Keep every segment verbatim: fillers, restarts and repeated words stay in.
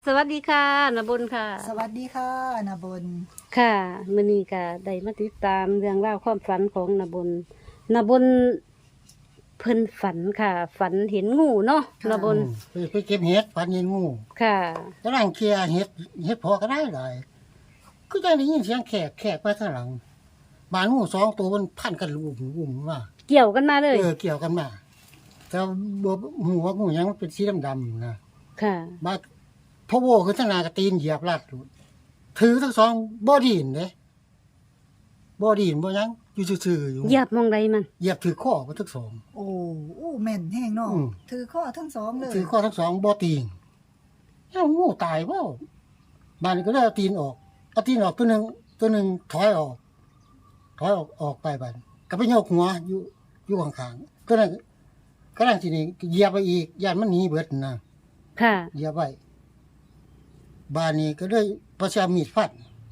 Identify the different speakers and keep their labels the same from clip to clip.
Speaker 1: สวัสดีค่ะนบุญค่ะ
Speaker 2: สวัสดีค่ะนาบน
Speaker 1: ค่ะมื้อนี้ก็ได้มาติดตามเรื่องราวความฝันของนบุญนบุญเพิ่นฝันค่ะ ฝันเห็นงูเนาะนบุญ
Speaker 3: อืมไปไปเก็บเห็ดฝันเห็นงู
Speaker 1: ค่ะ
Speaker 3: กำลังเคลียร์เห็ดเห็ดพอก็ได้หลายก็จะได้ยินเสียงแขกแขกไปข้างหลังบานงูสองตัวมันพันกันลุ่มลุ่มมา
Speaker 1: เกี่ยวกันมาเลย
Speaker 3: เออเกี่ยวกันมาแต่บัวหัวงูยังมันเป็นสีดำๆนะ
Speaker 1: ค่ะ
Speaker 3: บาดพะโวคือทางหนากระตีนเหยียบลาดอยู่ถือทั้งสองบ่ดีนเด้บ่ดีนบ่หยังอยู่ซื่อๆอยู่
Speaker 1: เหยียบมองใดมัน
Speaker 3: เหยียบถือข้อมาทั้งสอง
Speaker 2: โอ้โอ้แม่นแห้งเนาะ
Speaker 3: อืม
Speaker 2: ถือข้อทั้งสองเลย
Speaker 3: ถือข้อทั้งสองบ่ตีนเอ้างูตายบ่บ้านนี้ก็เลยเอาตีนออกเอาตีนออกตัวหนึงตัวหนึงถอยออก ถอยออกออกไปบ้านก็ไปโยกหัวอยู่อยู่ข้างๆตัวนั้นก็ลังทีนี้เหยียบไปอีกย่านมันหนีเบิดนะ
Speaker 1: ค่ะ
Speaker 3: เหยียบไว้บ้านนี้ก็เลยประชามีดฟัน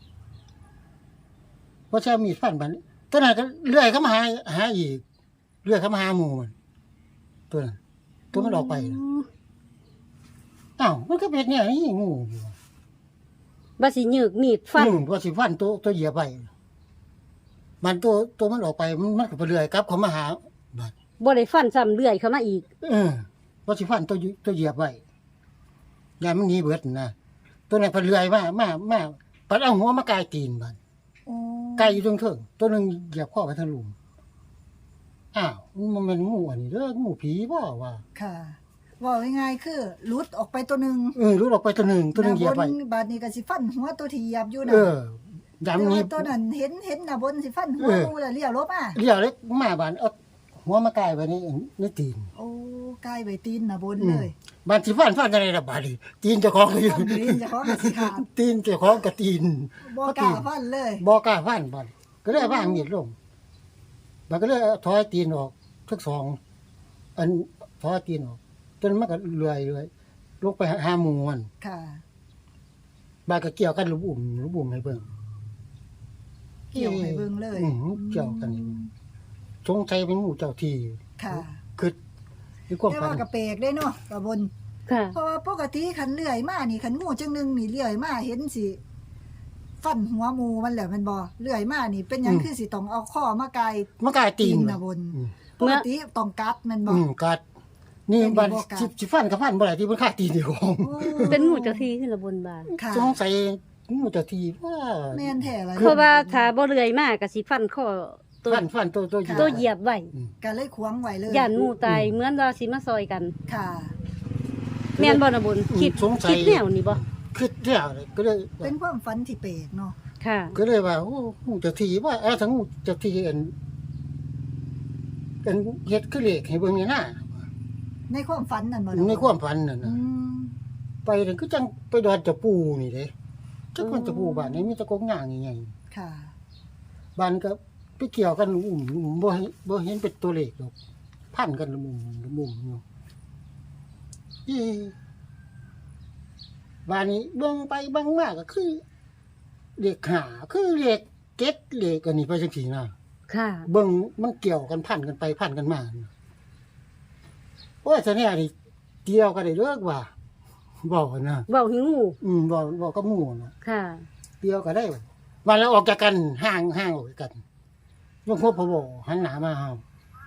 Speaker 3: ประชามีดฟันบ้านตัวนั้นก็เลื่อยเข้ามาหาหาอีกเลื่อยเข้ามาหาหมู่มันตัวนั้นตัวมันออกไปนะอ้าวมันก็เป็นเนี่ยนี่งูอยู่
Speaker 1: บ่สิหยึกมีดฟัน
Speaker 3: อืมว่าสิฟันตัวตัวเหยียบไปมันตัวตัวมันออกไปมันมันก็ไปเลื่อยกลับเขามาหาบ้าน
Speaker 1: บ่ได้ฟันซ้ำเลื่อยเข้ามาอีก
Speaker 3: เออว่าสิฟันตัวอยู่ตัวเหยียบไว้ยายมันหนีเบิดนะตัวนั้นเพนเลื่อยมามามาปัดเอาหัวมากายตีนบ้าน
Speaker 2: โอ้
Speaker 3: ไก่อยู่ตรงเถิงตัวหนึงเหยียบข้อไปทางหลุมอ้าวมันเป็นงูอันนี้เด้องูผีบ่ว่า
Speaker 2: ค่ะว่าง่ายๆคือหลุดออกไปตัวหนึง
Speaker 3: เออรู้ออกไปตัวหนึงตัวหนึงเหยียบไป
Speaker 2: นาบนบาดนี้ก็สิฟันหัวตัวที่เหยียบอยู่
Speaker 3: เอ
Speaker 2: นะ
Speaker 3: อ
Speaker 2: แต่
Speaker 3: ยามนี้
Speaker 2: ว่าตัวนั้นเห็นเห็นนาบนสิฟันหัว
Speaker 3: เออ
Speaker 2: งูแล้วเลี้ยวรบอ่ะ
Speaker 3: เลี้ยวเล็กมาบ้านเอาหัวมากายไว้ในในตีน
Speaker 2: โอ้ใกล้ใบตีนนาบนเลย
Speaker 3: บ้านสิฟันฟันจังได๋ล่ะบาดนี้ตีนเจ้าของก็อยู่
Speaker 2: ฟันตีนเจะของก็สิขาด
Speaker 3: ตีนเจ้าของกับตีน
Speaker 2: บ่กล้าฟันเลย
Speaker 3: บ่กล้าฟันบ่อนก็เลยว่างมีดลงมันก็เลยเอาถอยตีนออกทั้งสอง อันถอยตีนออกจนมันก็เลื่อยเลื่อยลงไปหาหมู่มัน
Speaker 2: ค่ะ
Speaker 3: บาดก็เกี่ยวกันลูกอุ่มลูกอุ่มให้เบิ่ง
Speaker 2: เกี่ยวให้เบิ่งเลย
Speaker 3: อืมเกี่ยวกันนี่สงสัยเป็นงูเจ้าที่
Speaker 2: ค่ะ
Speaker 3: คือมีความ
Speaker 2: แต่
Speaker 3: ฝั
Speaker 2: ว่าน กระเปกได้เนาะกระบน
Speaker 1: ค่ะ
Speaker 2: เพราะว่าปกติขันเลื่อยมานี่ขันงูจังหนึงนี่เลื่อยมาเห็นสิฟันหัวหมูมันแหละแมันบ่เลื่อยมานี่เป็นหยังคือสิต้องเอาข้อมากาย
Speaker 3: มันกลายตี
Speaker 2: ตี
Speaker 3: น
Speaker 2: นนะบน
Speaker 3: อืม
Speaker 2: ปกติต้องกัดแมันบ่
Speaker 3: อืมกัดนี่
Speaker 2: เป็น
Speaker 3: บัน
Speaker 2: บ่กัด
Speaker 3: สิสิฟันกับฟันบ่ได้ที่มันฆ่าตีนอยู่ของ
Speaker 2: โอ้
Speaker 1: เป็นงูเจ้าที่ขึ้นละบนบาน
Speaker 2: ค่ะ
Speaker 3: สงสัยงูเจ้าที่ว่า
Speaker 2: แม่นแท้ละ
Speaker 1: เพราะว่าถ้าบ่เลื่อยมาก็สิฟันข้อตัว
Speaker 3: ฟันฟันตัวตัว
Speaker 1: ตัวเหยียบไว้
Speaker 3: อืม
Speaker 2: ก็เลยขวางไว้เลย
Speaker 1: ย่านงูตายเหมือนว่าสิมาซอยกัน
Speaker 2: ค่ะ
Speaker 1: แม่นบ่นบุญคิด
Speaker 3: สงสัย
Speaker 1: คิดแนวนี้บ่
Speaker 3: คิดแล้วเลยก็เลย
Speaker 2: เป็นความฝันที่แปลกเนาะ
Speaker 1: ค่ะ
Speaker 3: ก็เลยว่าโอ้งูเจ้าที่ว่าเออทั้งงูเจ้าที่อันอันเฮ็ดคือเลขให้เบิ่งนี่นะ
Speaker 2: ในความฝันนั่นบ่
Speaker 3: ในความฝันนั่น
Speaker 2: อื
Speaker 3: น่ะ
Speaker 2: ม
Speaker 3: ไปนั่นก็จังไปดอนเจ้าปู่นี่เด้จักมันเจ้าปู่บ้านนี้มีแตะกงย่างใหญ่ๆ
Speaker 2: ค่ะ
Speaker 3: บ้านก็ไปเกี่ยวกันอุ้มบ่เห็นบ่เห็นเป็นตัวเลขหรอกพันกันละมุมละมุมอยู่อีบ้านนี้เบิ่งไปเบิ่งมาก็คือเลขห้าคือเลขเจ็ดเลขอันนี้ไปจังซี่นะ
Speaker 1: ค่ะ
Speaker 3: เบิ่งมันเกี่ยวกันพันกันไปพันกันมาโอ้ยซะเนี่ยนี่เกี่ยวกันได้เลิกว่าเว้านะ
Speaker 1: เว้าหิงู
Speaker 3: อืมเว้าเว้ากับหมู่นะ
Speaker 1: ค่ะ
Speaker 3: เกี่ยวกันได้วันแล้วออกจากกันห่างห่างออกจากกันยกหัวพะโบหันหน้ามาเฮา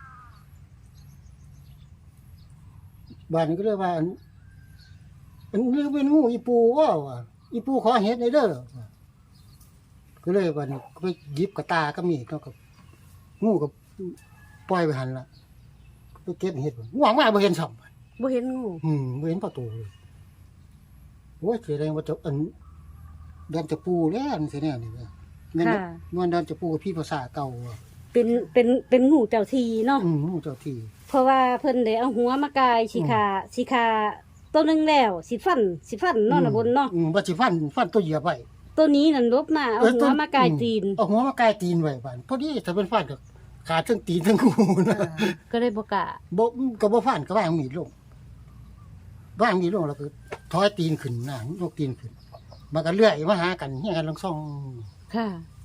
Speaker 3: บ้านนี้ก็เลยว่าอันอันนี้เป็นงูอีปูว่าว่ะอีปูขอเฮ็ดในเด้อก็เลยวันนี้ก็ไปหยิบกระตาก็มีดเนาะกับงูกับปล่อยไปหันละไปเก็บเฮ็ดหวังว่าบ่เห็นซ้ำ
Speaker 1: บ่เห็นงู
Speaker 3: อืมบ่เห็นประตูเลยโอ้ยแสดงว่าจะอันเดินจะปูแล้วอันสิแน่นี่เด้อแม่น
Speaker 1: ค่ะ
Speaker 3: มันเดินจะปูกับพี่ภาษาเก่าอะ
Speaker 1: เป็นเป็นเป็นงูเจ้าทีเนาะ
Speaker 3: อืมงูเจ้าที่
Speaker 1: เพราะว่าเพิ่นได้เอาหัวมากายสิขาสิขาตัวหนึงแล้วสิฟันสิฟันเนาะนะบนเนาะ
Speaker 3: อืมว่าสิฟันฟันตัวเหยียบไว้
Speaker 1: ตัวนี้นั่นลบมาเอาหัวมากายตีน
Speaker 3: เอาหัวมากายตีนไว้บ้านพอดีถ้าเป็นฟันก็ขาดทั้งตีนทั้งงูนะ
Speaker 2: ค่ะ
Speaker 1: ก็เลยบ่กล้า
Speaker 3: บ่ก็บ่ฟันก็วางมีดลงวางมีดลงแล้วก็ถอยตีนขึ้นนะยกตีนขึ้นมันก็เลื่อยมาหากันเฮียกันลังซ่อง
Speaker 1: ค่ะ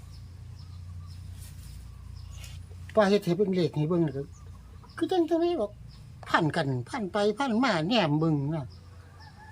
Speaker 3: ป้าเฮ็ดให้เบิ่งเลขให้เบิ่งแล้วก็คือจังจังได๋บอกพันกันพันไปพันมาแหนมเบิ่งนะ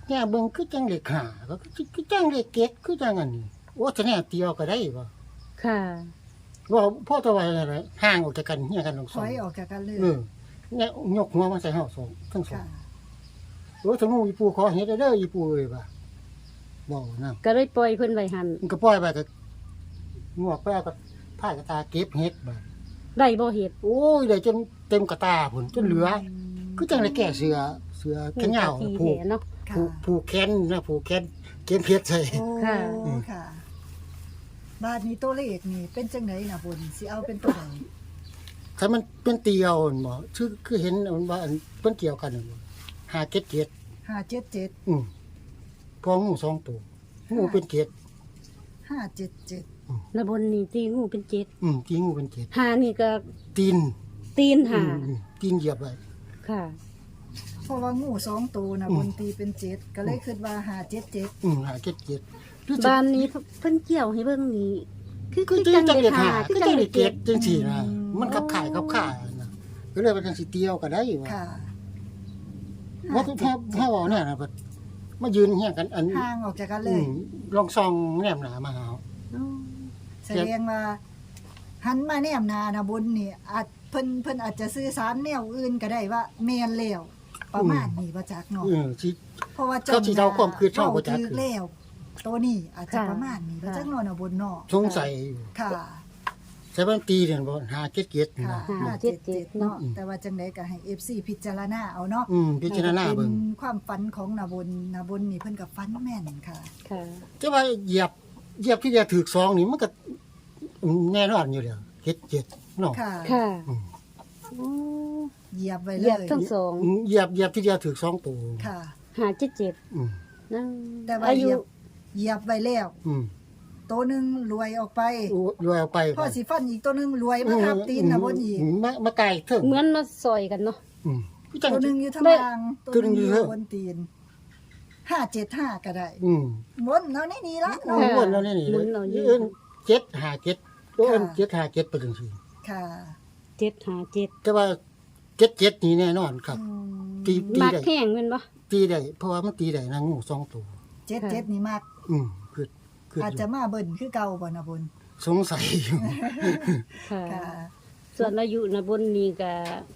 Speaker 3: แง่เบิ่งคือจังเลขห้าก็คือคือจังเลขเจ็ดคือจังอันนี้โอ้จะแน่เตียวก็ได้บ่
Speaker 1: ค่ะ
Speaker 3: ว่าพ่อตะวันอะไรห่างออกจากกันเฮียกันทั้ง
Speaker 2: ถ
Speaker 3: สอง
Speaker 2: อยออกจากกันเลย
Speaker 3: เออเนี่ยยกหัวมาใส่เฮาสองทั้งสอ
Speaker 2: ค่ะ
Speaker 3: งโอ้สมมุติอีปูขอเฮ็ดเด้ออีปูเอ้ยบ่าบ่นำ
Speaker 1: ก็เลยปล่อยเพิ่นไว้หัน
Speaker 3: มันก็ปล่อยไปก็งวกไปก็พายกระตาเก็บเฮ็ดบ่
Speaker 1: ได้บ่เฮ็ด
Speaker 3: โอ้ยได้จนเต็มกระตาพุ่นจนเหลือ คือจังได้แก่เสือเสือแขนยาว
Speaker 1: ที
Speaker 3: ผูก
Speaker 1: แหเนาะ
Speaker 2: ค่ะ
Speaker 3: ผูกผูกแขนนะผูกแขนเก็บเพชรใส่
Speaker 2: โอ้
Speaker 1: ค่ะ
Speaker 2: ค่ะ บาทนี้ตัวเลขนี่เป็นจังไดน่ะบุญสิเอาเป็นตัวใด
Speaker 3: ถ้ามันเป็นเตียวนั่นบ่คือคือเห็นมันว่าอันเพิ่นเกี่ยวกันนั่นบ่ห้าเจ็ดเจ็ด
Speaker 2: ห้าเจ็ดเจ็ด
Speaker 3: อืมพองูสองตัวงูเป็นเจ็ด
Speaker 2: ห้าเจ็ดเจ็ด
Speaker 1: นบนนี่ตีงูเป็นเจ็ด
Speaker 3: อืมตีงูเป็นเจ็ด
Speaker 1: หานี่ก็
Speaker 3: ตีน
Speaker 1: ตีน
Speaker 3: อื
Speaker 1: หาม
Speaker 3: อืมตีนเหยียบไว้
Speaker 1: ค่ะ
Speaker 2: เพราะว่างูสองตัวน่ะ
Speaker 3: อืม
Speaker 2: บุญตีเป็นเจ็ดก็เลยคิดว่าห้าเจ็ดเจ็ด
Speaker 3: อืมห้าเจ็ดเจ็ดรู้สึก
Speaker 1: บ้านนี้เพิ่นเกี่ยวให้เบิ่งนี่คือ
Speaker 3: คือ
Speaker 1: คือ
Speaker 3: จัง
Speaker 1: จัง
Speaker 3: เล
Speaker 1: ได้
Speaker 3: ข
Speaker 1: หา
Speaker 3: หา
Speaker 1: คื
Speaker 3: คือ อ
Speaker 1: จั
Speaker 3: จั
Speaker 1: ง
Speaker 3: งเล
Speaker 1: ได้
Speaker 3: ข
Speaker 1: เจ็
Speaker 3: เจ็
Speaker 1: ด
Speaker 3: ดจังซี่นะมันขับข่ายขับข่ายนะก็เลยว่าจังสิเตียวก็ได้ว่า
Speaker 2: ค่ะ
Speaker 3: ว่าถ้าถ้าเว้าเนี่ยนะบัดมายืนเฮียกันอัน
Speaker 2: ห่างออกจากกันเล
Speaker 3: อื
Speaker 2: ย
Speaker 3: มลองส่องแนมหน้ามาหา
Speaker 1: อ๋อ
Speaker 2: แสดงว่าหันมาแนมหนานะบุญนี่อาจเพิ่นเพิ่นอาจจะสื่อสารแนวอื่นก็ได้ว่าแม่นแล้วประมาณนี้บ่จักเนาะ
Speaker 3: เออสิ
Speaker 2: เพราะว่า
Speaker 3: เขาสิเดาความคิดช่องบ่จัก
Speaker 2: ถูกแล้วตัวนี้อาจจะประมาณนี้บ่จักเนาะนะบุญเนาะ
Speaker 3: สงสัยอยู่
Speaker 2: ค่ะ
Speaker 3: ใช่บ้านตีเนี่ยบ่หาเจ็ดเจ็ด
Speaker 2: ค่ะ
Speaker 3: นะ
Speaker 2: ห้าเจ็ดเจ็ดเนาะแต่ว่าจังไดก็ให้ เอฟ ซี พิจารณาเอาเนาะ
Speaker 3: อืมพิจารณาเบิ่ง
Speaker 2: เป็นความฝันของนาบุญนาบุญนี่เพิ่นก็ฝันแม่นค่ะ
Speaker 1: ค่ะ
Speaker 3: แต่ว่าเหยียบเหยียบที่เดียวถูกซองนี่มันก็แน่นอนอยู่แล้วเจ็ดเจ็ดเนาะ
Speaker 2: ค่ะ
Speaker 1: ค่ะ
Speaker 3: อืม
Speaker 1: อ๋อ
Speaker 2: เหยียบไว้
Speaker 1: เห
Speaker 2: เล
Speaker 1: ยียบ
Speaker 2: ย
Speaker 1: ทั้งสอง
Speaker 3: เหยียบเหยียบที่เดียวถูกสองตัว
Speaker 2: ค่ะ
Speaker 1: หาเจ็ดเจ็ด
Speaker 3: อืม
Speaker 1: นั่ง
Speaker 2: แต่ว่า
Speaker 1: อา
Speaker 2: เห
Speaker 1: ยุ
Speaker 2: ยียบเหยียบไว้แล้ว
Speaker 3: อืม
Speaker 2: ตัวหนึงรวยออกไป
Speaker 3: อู้รวยเอาไป
Speaker 2: พ่อสิฟันอีกตัวหนึงรวยมาทับตีนนาบุญอีก
Speaker 3: มมามาไกลเถิง
Speaker 1: เหมือนมาซอยกันเนาะ
Speaker 3: อืมคือจัง
Speaker 2: ตัวหนึงอยู่ทาง
Speaker 1: ได้
Speaker 2: ล่าง
Speaker 3: ตัวหนึ่งอยู่
Speaker 2: อ
Speaker 3: เทิ
Speaker 2: ยู่
Speaker 3: ง
Speaker 2: บนตีนห้าเจ็ดห้าก็ได้
Speaker 3: อืม
Speaker 2: บนเนาะนี่นี่ละ
Speaker 3: โอ้
Speaker 2: เนาะ
Speaker 3: วนแล้วนี่นี่เอิ้นเจ็ดหาเจ็ดโอ้เอิ้น
Speaker 2: ค่ะ
Speaker 3: เจ็ดหาเจ็ดไปจังซี่
Speaker 2: ค่ะ
Speaker 1: เจ็ดหาเจ็ด
Speaker 3: แต่ว่าเจ็ดเจ็ดนี่แน่นอนครับ
Speaker 2: อืม
Speaker 3: ตีตี
Speaker 1: มัก
Speaker 3: ได้
Speaker 1: แห้งแม่นบ่
Speaker 3: ตีได้เพราะว่ามันตีได้นะงูสองตัว
Speaker 2: เจ็ดเจ็ดนี่มาก
Speaker 3: อืมคือคือ
Speaker 2: อาจ
Speaker 3: อยู่
Speaker 2: จะมาเบิ่นคือเก่าบ่นะบุญ
Speaker 3: สงสัยอยู่
Speaker 1: ค่ะ
Speaker 2: ค่ะ
Speaker 1: ส่วนอายุนบนนี่ก็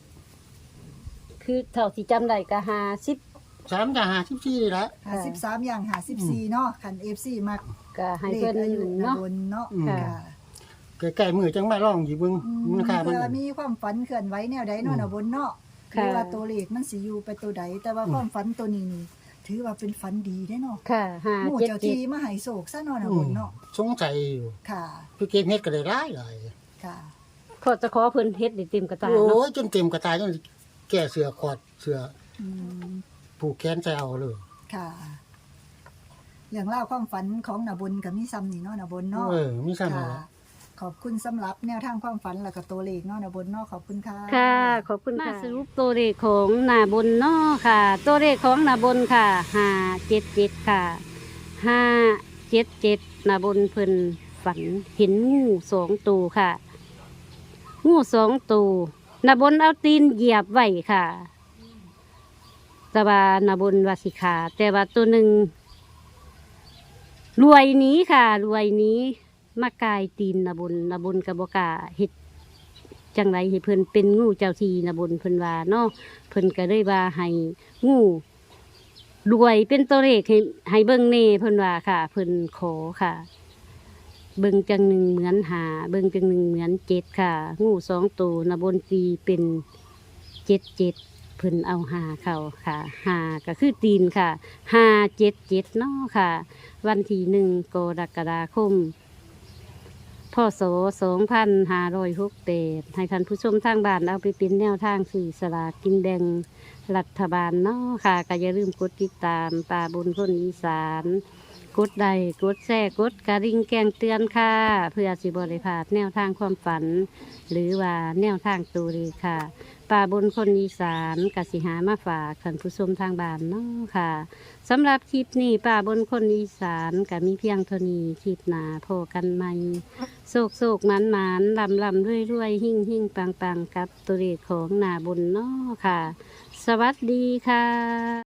Speaker 1: คือเท่าที่จำได้ก็ห้าสิบ
Speaker 3: สามจะหาสิบสี่นี่ละ
Speaker 2: ห้าสิบสามอย่างห้าสิบสี่เนาะคัน เอฟ ซี มัก
Speaker 1: ก็ให้
Speaker 2: เล
Speaker 1: เพิ่
Speaker 2: ข
Speaker 1: น
Speaker 2: อายุนะ
Speaker 1: เนาะ
Speaker 2: บุญเนาะ
Speaker 3: อืม
Speaker 2: ค่ะ
Speaker 3: ใกล้ๆมือจังมาร้องอยู่เบิ่ง
Speaker 2: อืม
Speaker 3: มันค่ามัน
Speaker 2: เพื่อมีความฝันเคลื่อนไหวแนวใดเนาะนะบุญเนาะห
Speaker 1: ค่ะ
Speaker 2: รือว่าตัวเลขมันสิอยู่ไปตัวใดแต่ว่าความฝันตัวนี้นี่ถือว่าเป็นฝันดีได้เนาะ
Speaker 1: ค่ะห้า
Speaker 2: หมู่
Speaker 1: เจ็ด
Speaker 2: เจ้า
Speaker 1: เจ็ด
Speaker 2: ที่มาให้โศกซะเนาะนะ
Speaker 3: อื
Speaker 2: บุ
Speaker 3: ม
Speaker 2: ญเนาะ
Speaker 3: สงสัยอยู่
Speaker 2: ค่ะ
Speaker 3: พี่เก็บเฮ็ดก็ได้หลายหลาย
Speaker 2: ค่ะ
Speaker 1: ขอจะขอเพิ่นเฮ็ดได้เต็มกระตา
Speaker 3: โอ้
Speaker 1: เนาะ
Speaker 3: ยจนเต็มกระตายจนแก่เสือขอดเสือ
Speaker 2: อืม
Speaker 3: ผูกแขนใส่เอาเลย
Speaker 2: ค่ะเรื่องเล่าวความฝันของนาบุญกับมิซัมนี่เนาะนาบุญเนาะ
Speaker 3: เออมีซ้ำ
Speaker 2: ค่ะ
Speaker 3: แล้ว
Speaker 2: ขอบคุณสำหรับแนวทางความฝันแล้วก็ตัวเลขเนาะนาบุญเนาะขอบคุณค่ะ
Speaker 1: ค่ะ ขอบคุณค่ะมาสรุปตัวเลขของหนาบนเนาะค่ะ ตัวเลขของหนาบนค่ะห้าเจ็ดเจ็ดค่ะห้าเจ็ดเจ็ดหนาบนเพิ่นฝันเห็นงูสองตัวค่ะ งูสองตัวหนาบนเอาตีนเหยียบไว้ค่ะ แต่ว่าหนาบนวาสิขาแต่ว่าตัวหนึ่งรวยหนี้ค่ะ รวยหนี้มากายตีนหนาบนหนาบนกับบกล้าเฮ็ด จังไรให้เพิ่นเป็นงูเจ้าทีนะบนเพิ่นว่าเนาะเพิ่นก็เลยว่าให้งูรวยเป็นตัวเลขให้ให้เบิ่งเน่เพิ่นว่าค่ะ เพิ่นขอค่ะ เบิ่งจังหนึ่งเหมือนหาเบิ่งจังหนึ่งเหมือนเจ็ดค่ะ งูสองตัวนะบนตีเป็นเจ็ดเจ็ดเพิ่นเอาหาเข้าค่ะหาก็คือตีนค่ะห้าเจ็ดเจ็ดเนาะค่ะ วันที่หนึ่งกรกฎาคม พศสองพันห้าร้อยหกเดให้ท่านผู้ชมทางบ้านเอาไปเป็นแนวทางสื่อสลากกินแบ่งรัฐบาลเนาะค่ะก็อย่าลืมกดติดตามป่าบนคนอีสานกดไลค์กดแชร์กดกระดิ่งแกงเตือนค่ะ เพื่อสิบริพลาดแนวทางความฝัน หรือว่าแนวทางตูรีค่ะป่าบนคนอีสานกสิหามาฝากท่านผู้ชมทางบ้านเนาะค่ะสำหรับคลิปนี้ป่าบนคนอีสานก็มีเพียงเท่านี้คลิปหนาพอกันใหม่ โศกโศกหมันหมันลำลำรวยรวยหิ่งหิ่งปังปังกับตัวเลขของหนาบุญเนาะค่ะ สวัสดีค่ะ